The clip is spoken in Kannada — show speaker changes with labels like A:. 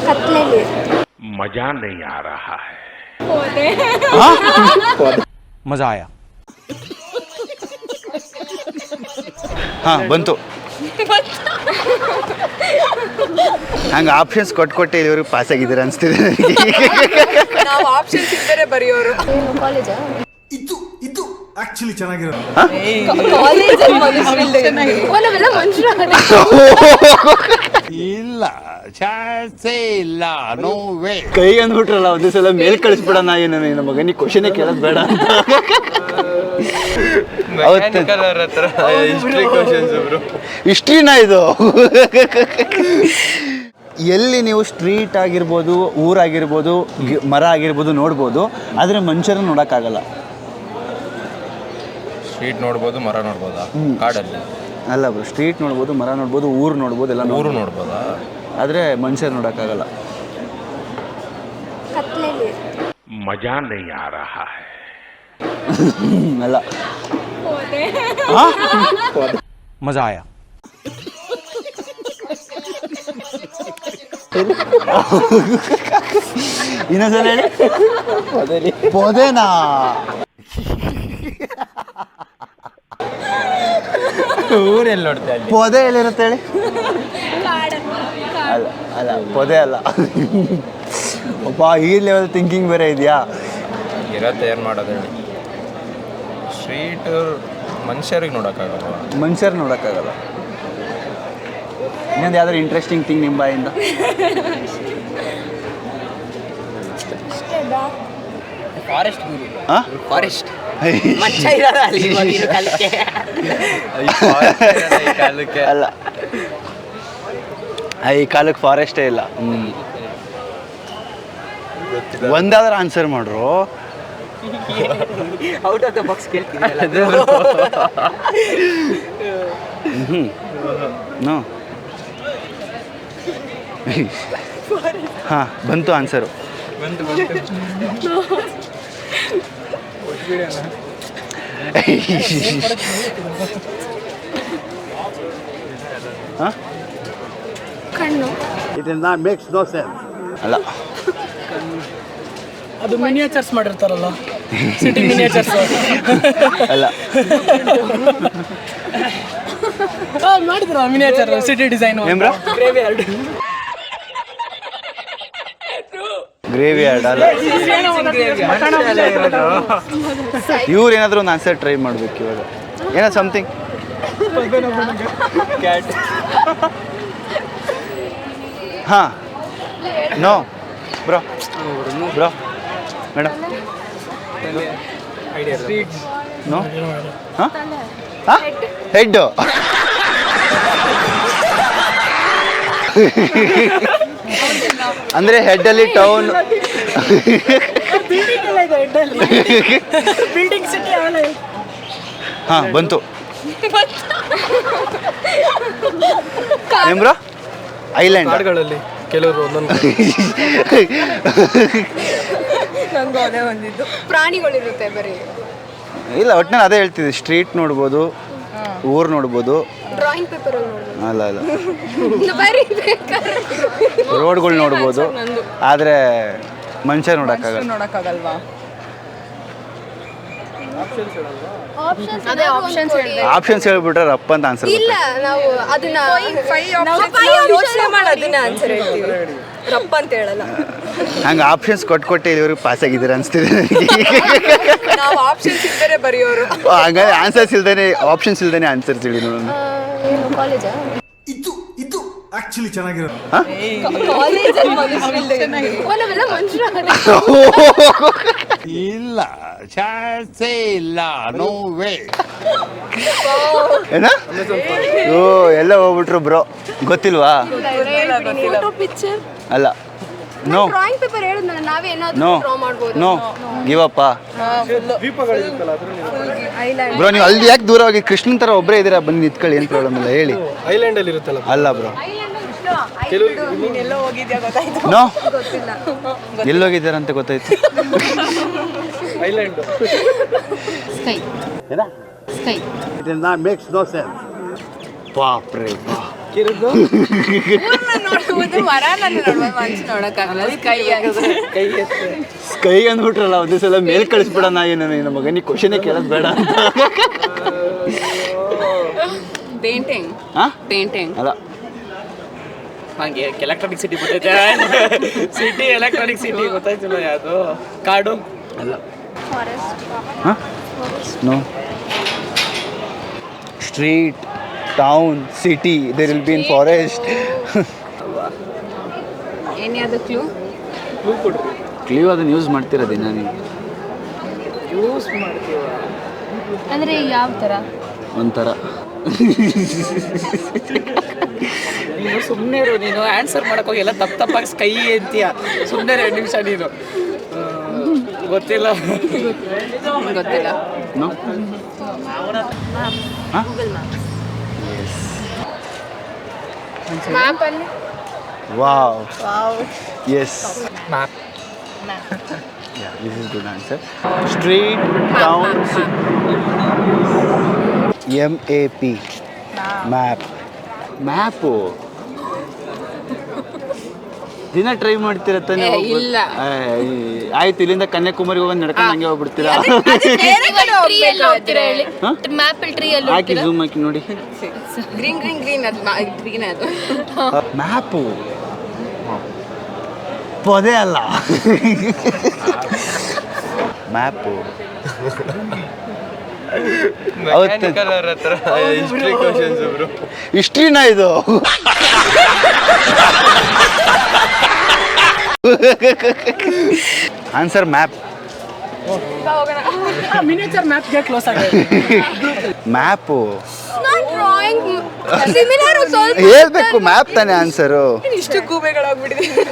A: कत्लेली
B: मजा नहीं आ रहा है।
C: मजा आया. ಹಾ ಬಂತು. ಹಂಗೆ ಆಪ್ಷನ್ಸ್ ಕೊಟ್ಟು ಇವ್ರಿಗೆ ಪಾಸ್ ಆಗಿದ್ದೀರಾ ಅನಿಸ್ತಿದೆ
D: ನಾವು ಆಪ್ಷನ್ಸ್ ಇದ್ದರೆ ಬರೆಯೋರು.
A: ಕಾಲೇಜಾ
E: ಇದು ಆಕ್ಚುಲಿ ಚೆನ್ನಾಗಿರೋದು.
C: ಇಲ್ಲ ಚಾನ್ಸೇ ಇಲ್ಲ, ನೋ ವೇ.
F: ಕೈಗೆ ಅಂದ್ಬಿಟ್ರಲ್ಲ ಒಂದೇ ಸಲ ಮೇಲ್ ಕಳಿಸ್ಬಿಡೋಣ ಏನು ನನ್ನ ಮಗನಿಗೆ ಕ್ವಶನೇ ಕೇಳೋದು ಬೇಡ ಅಂತ. ಹಿಸ್ಟ್ರಿನಾ ಇದು? ಎಲ್ಲಿ ನೀವು ಸ್ಟ್ರೀಟ್ ಆಗಿರ್ಬೋದು, ಊರಾಗಿರ್ಬೋದು, ಮರ ಆಗಿರ್ಬೋದು ನೋಡ್ಬೋದು, ಆದರೆ ಮನುಷ್ಯರನ್ನ ನೋಡೋಕ್ಕಾಗಲ್ಲ.
G: ಸ್ಟ್ರೀಟ್ ನೋಡ್ಬೋದು, ಮರ ನೋಡ್ಬೋದಾ? ಕಾಡಲ್ಲಿ
F: ಅಲ್ಲ ಬ್ರೋ, ಸ್ಟ್ರೀಟ್ ನೋಡ್ಬೋದು, ಮರ ನೋಡ್ಬೋದು, ಊರು ನೋಡ್ಬೋದು, ಎಲ್ಲ
G: ಊರು ನೋಡ್ಬೋದಾ?
F: ಆದರೆ ಮನುಷ್ಯರು ನೋಡೋಕ್ಕಾಗಲ್ಲ.
A: कत्लेली
B: मजा नहीं आ रहा है।
F: ಅಲ್ಲ
C: मजा आया.
F: ಇನ್ನೊಂದ್ಸಲ ಹೇಳಿ. ಪೊದೆನಾ?
G: ಊರೆಲ್ಲಿ ನೋಡ್ತಾ ಇಲ್ಲಿ?
F: ಪೊದೆ ಎಲ್ಲಿರುತ್ತೆ ಹೇಳಿ? ಅಲ್ಲ ಅಲ್ಲ, ಪೊದೆ ಅಲ್ಲ. ಒಬ್ಬ ಈ ಲೆವೆಲ್ ಥಿಂಕಿಂಗ್ ಬೇರೆ ಇದೆಯಾ?
G: ಇರತ್ತೆ, ಏನು ಮಾಡೋದು ಹೇಳಿ? ಸ್ಟ್ರೀಟ್ ಮನುಷ್ಯರಿಗೆ ನೋಡೋಕ್ಕಾಗಲ್ಲ,
F: ಮನುಷ್ಯರು ನೋಡೋಕ್ಕಾಗಲ್ಲ. ಇನ್ನೊಂದು ಯಾವ್ದಾದ್ರು ಇಂಟ್ರೆಸ್ಟಿಂಗ್ ಥಿಂಗ್ ನಿಮ್ಮ ಬಾಯಿಂದ?
D: ಫಾರೆಸ್ಟ್
F: ಹಾಂ,
D: ಫಾರೆಸ್ಟ್ ಮಚ್ಚ ಇರಲ್ಲ ಅಲ್ಲಿ ಇವಾಗಿನ ಕಾಲಕ್ಕೆ.
F: ಅಲ್ಲ, ಈ ಕಾಲಕ್ಕೆ ಫಾರೆಸ್ಟೇ ಇಲ್ಲ. ಒಂದಾದ್ರೂ ಆನ್ಸರ್ ಮಾಡ್ರು.
D: ಔಟ್ ಆಫ್ ದ ಬಾಕ್ಸ್ ಕೇಳ್ತೀನಿ.
F: ನೋ. ಹಾಂ ಬಂತು ಆನ್ಸರು. ಹಾಂ,
A: ಕಣ್ಣು
F: ಅಲ್ಲ.
D: ಅದು ಮಿನಿಯೇಚರ್ಸ್ ಮಾಡಿರ್ತಾರಲ್ಲ, ಸಿಟಿ ಮಿನಿಯೇಚರ್ಸ್.
F: ಅಲ್ಲ,
D: ಮಾಡಿದ್ರ ಮಿನಿಯೇಚರ್ ಸಿಟಿ ಡಿಸೈನ್.
F: ಏನ್ರ? ಗ್ರೇವಿ ಯಾರ್ಡ್ ಅಲ್ಲ. ಇವ್ರು ಏನಾದರೂ ಒಂದು ಆನ್ಸರ್ ಟ್ರೈ ಮಾಡ್ಬೇಕು ಇವಾಗ. ಏನೋ ಸಮಥಿಂಗ್. ಹಾಂ, no bro, bro madam, no. ಹಾಂ ಹಾಂ, ಹೆಡ್ಡು. ಅಂದರೆ ಹೆಡ್ಡಲ್ಲಿ ಟೌನ್.
D: ಬಿಲ್ಡಿಂಗ್ ಸಿಟಿ ಅವಲ್ಲ.
F: ಹಾಂ ಬಂತು. ಏನ್ ಬ್ರೋ? ಐಲ್ಯಾಂಡ್.
G: ಕಾಡುಗಳಲ್ಲಿ ಕೆಲವರು ಒಂದೊಂದು
D: ನಂಗೆ ಅದೇ ಬಂದಿದ್ದು. ಪ್ರಾಣಿಗಳಿರುತ್ತೆ ಬರೀ.
F: ಇಲ್ಲ, ಒಟ್ಟಿನಲ್ಲಿ ಅದೇ ಹೇಳ್ತಿದ್ದೆ. ಸ್ಟ್ರೀಟ್ ನೋಡ್ಬೋದು, ಊರು ನೋಡ್ಬೋದು.
A: ಡ್ರಾಯಿಂಗ್ ಪೇಪರ್ ನೋಡ್ಬೋದು.
F: ಅಲ್ಲ ಅಲ್ಲ, ರೋಡ್ಗಳು ನೋಡ್ಬೋದು, ಆದರೆ ಮನುಷ್ಯ ನೋಡೋಕ್ಕಾಗಲ್ವಾ?
A: ಅದೇ ಆಪ್ಷನ್ಸ್
F: ಆಪ್ಷನ್ಸ್ ಹೇಳ್ಬಿಟ್ರೆ ರಪ್ಪ ಅಂತ ಆನ್ಸರ್.
A: ಇಲ್ಲ, ನಾವು ಅದನ್ನ
D: ಯೋಚನೆ ಮಾಡಿ ಅದನ್ನ ಆನ್ಸರ್ ಹೇಳ್ತೀವಿ, ರಪ್ಪ ಅಂತ ಹೇಳಲ್ಲ.
F: ಹಂಗೆ ಆಪ್ಷನ್ಸ್ ಕೊಟ್ಟು ಇವ್ರಿಗೆ ಪಾಸ್ ಆಗಿದ್ದೀರಾ ಅನಿಸ್ತಿದೆ.
D: ನಾವು ಆಪ್ಷನ್ಸ್ ಇದ್ದರೆ ಬರೆಯೋರು.
F: ಹಂಗಾದ್ರೆ ಆನ್ಸರ್ಸ್ ಇಲ್ದೇನೆ, ಆಪ್ಷನ್ಸ್ ಇಲ್ದೇನೆ ಆನ್ಸರ್ಸ್ ಹೇಳಿ ನೋಡೋಣ.
A: ಕಾಲೇಜಾ
E: ಇದು ಆಕ್ಚುಲಿ ಚೆನ್ನಾಗಿರೋದು.
C: ಇಲ್ಲ ಚಾನ್ಸೇ ಇಲ್ಲ, ನೋ ವೇ.
F: ಏನ? ಓ, ಎಲ್ಲ ಹೋಗ್ಬಿಟ್ರು ಬ್ರೋ. ಗೊತ್ತಿಲ್ವಾ?
A: ಪಿಕ್ಚರ್
F: ಅಲ್ಲ, ನೋ
A: ಡ್ರಾಯಿಂಗ್ ಪೇಪರ್ ಹೇಳಿದ್ನಲ್ಲ, ನಾವೇ ಏನಾದರೂ
F: ನೋ
A: ಡ್ರಾ ಮಾಡ್ಬೋದು.
F: No give up bro. ನೀವು ಅಲ್ಲಿ ಯಾಕೆ ದೂರ ಹೋಗಿ? ಕೃಷ್ಣನ್ ಥರ ಒಬ್ಬರೇ ಇದ್ದೀರಾ, ಬಂದು ನಿಂತ್ಕೊಳ್ಳಿ, ಏನು ಪ್ರಾಬ್ಲಮ್ ಇಲ್ಲ, ಹೇಳಿ.
G: ಐಲ್ಯಾಂಡಲ್ಲಿ ಇರುತ್ತಲ್ಲ.
F: ಅಲ್ಲ ಬ್ರೋ,
D: ಎಲ್ಲೋ ಹೋಗಿದ್ಯಾ ಗೊತ್ತಾಯ್ತು?
F: ನೋ, ಎಲ್ಲೋಗಿದ್ದೀರ ಅಂತ ಗೊತ್ತಾಯ್ತು.
G: ಐಲ್ಯಾಂಡ್
F: ಬಾಪ್ರೇ ಬಾ.
D: ನೋಡುವುದು ಮರನ ನೋಡುವ ಮನುಷ್ಯ ನೋಡಕ್ಕಾಗಲ್ಲ
F: ಸ್ಕೈ ಅಂದ್ಬಿಟ್ರಲ್ಲ ಒಂದೇ ಸಲ ಮೇಲ್ ಕಳಿಸ್ಬಿಡೋಣ ಏನು ನನ್ನ ಮಗನಿಗೆ ಕ್ವಶನೇ ಕೇಳೋದು ಬೇಡ ಅಂತ.
D: ಪೇಂಟಿಂಗ್
F: ಹಾಂ
D: ಪೇಂಟಿಂಗ್
F: ಅಲ್ಲ
H: ಹಾಗೆ ಎಲೆಕ್ಟ್ರಾನಿಕ್ ಸಿಟಿ ಗೊತ್ತೈತೆ ಸಿಟಿ ಎಲೆಕ್ಟ್ರಾನಿಕ್ ಸಿಟಿ ಗೊತ್ತಾಯ್ತಿಲ್ಲ ಯಾವುದು ಕಾಡು
F: ಅಲ್ಲ ಹಾಂ no street town city there will be in forest.
D: ಏನ್ಯಾವುದು ಕ್ಲೂ
F: ಕ್ಲೀವ್ ಅದನ್ನು ಯೂಸ್ ಮಾಡ್ತೀರ ದಿನ ನೀವು
H: ಯೂಸ್ ಮಾಡ್ತೀವ
A: ಅಂದ್ರೆ ಯಾವ ತರ?
F: ಒಂಥರ
H: ನೀನು ಸುಮ್ಮನೆ ಇರು, ನೀನು ಆನ್ಸರ್ ಮಾಡೋಕ್ಕೋಗಿ ಎಲ್ಲ ತಪ್ಪಾಗಿ ಸ್ಕೈ ಅಂತೀಯ. ಸುಮ್ಮನೆ 2 ನಿಮಿಷ ನೀನು ಗೊತ್ತಿಲ್ಲ
D: ಗೊತ್ತಿಲ್ಲ.
F: ನೋ ಹಾಂ
A: ಮ್ಯಾಪ್ ಅಲ್ಲಿ
F: wow yes
H: map
F: this is good answer. Street town MAP map map ದಿನ ಟ್ರೈ ಮಾಡ್ತೀರ ತಾನೆ?
D: ಏ, ಇಲ್ಲ.
F: ಆಯ್ತು, ಇಲ್ಲಿಂದ ಕನ್ಯಾಕುಮಾರಿಗೆ ಹೋಗಿ ನಡ್ಕೊಂಡು ಹಂಗೆ ಹೋಗ್ಬಿಡ್ತೀರಾ?
A: ಟ್ರೀ ಅಲ್ಲಿ ಹೋಗ್ತೀರಾ ಹೇಳಿ?
F: ಹಾ?
A: ಮ್ಯಾಪ್ ಅಲ್ಲಿ ಟ್ರೀ ಅಲ್ಲಿ
F: ಹಾಕಿ ಝೂಮ್ ಹಾಕಿ ನೋಡಿ.
D: ಗ್ರೀನ್ ಗ್ರೀನ್ ಗ್ರೀನ್ ಅದು ಗ್ರೀನ್ ಅದು
F: ಮ್ಯಾಪು ಪೊದೆ ಅಲ್ಲ ಮ್ಯಾಪು.
G: ಮೆಕ್ಯಾನಿಕಲ್ ಅವ್ರ ಹತ್ರ ಹಿಸ್ಟ್ರಿ ಕ್ವಶನ್ಸ್ ಬ್ರೋ.
F: ಹಿಸ್ಟ್ರಿನಾ ಇದು? Answer map.
H: ಮಿನಿಯೇಚರ್ ಮ್ಯಾಪ್ಗೆ ಕ್ಲೋಸ್ ಆಗಿದೆ.
F: ಮ್ಯಾಪು
A: ಡ್ರಾಯಿಂಗ್ ಸಿಮಿಲರ್ ಸ್ವಲ್ಪ
F: ಹೇಳ್ಬೇಕು, ಮ್ಯಾಪ್ ತಾನೇ ಆನ್ಸರು.
D: ಇಷ್ಟು ಗೂಬೆಗಳಾಗ್ಬಿಟ್ಟಿದೆ.